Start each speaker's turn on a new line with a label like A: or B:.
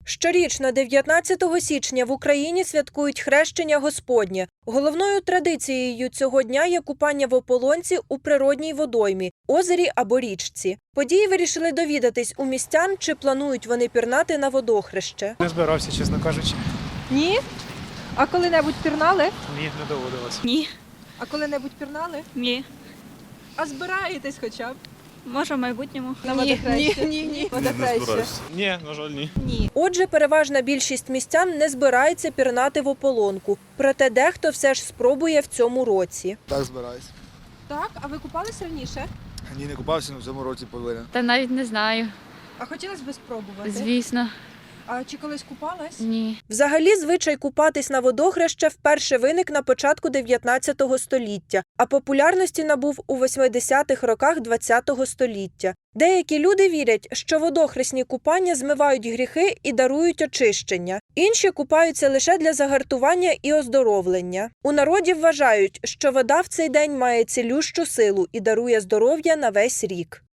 A: Щорічно 19 січня в Україні святкують Хрещення Господнє. Головною традицією цього дня є купання в ополонці у природній водоймі, озері або річці. Події вирішили довідатись у містян, чи планують вони пірнати на водохреще.
B: Не збирався, чесно кажучи.
C: Ні? А коли-небудь пірнали?
B: Ні, не доводилось.
D: Ні,
C: А коли-небудь пірнали?
D: ні.
C: А збираєтесь хоча б
D: Може, в майбутньому.
C: на водохрещі? Ні. Водохрещі.
B: Ні, на жаль, ні.
C: Ні.
A: Отже, переважна більшість містян не збирається пірнати в ополонку. Проте дехто все ж спробує в цьому році.
E: Так, збираюсь.
C: Так, а ви купалися раніше?
E: Ні, не купався, але в цьому році повинен.
D: Та навіть не знаю.
C: А хотілося б спробувати?
D: Звісно,
C: А чи колись купалась?
D: ні.
A: Взагалі, звичай купатись на водохреще вперше виник на початку 19 століття, а популярності набув у 80-х роках 20 століття. Деякі люди вірять, що водохресні купання змивають гріхи і дарують очищення. Інші купаються лише для загартування і оздоровлення. У народі вважають, що вода в цей день має цілющу силу і дарує здоров'я на весь рік.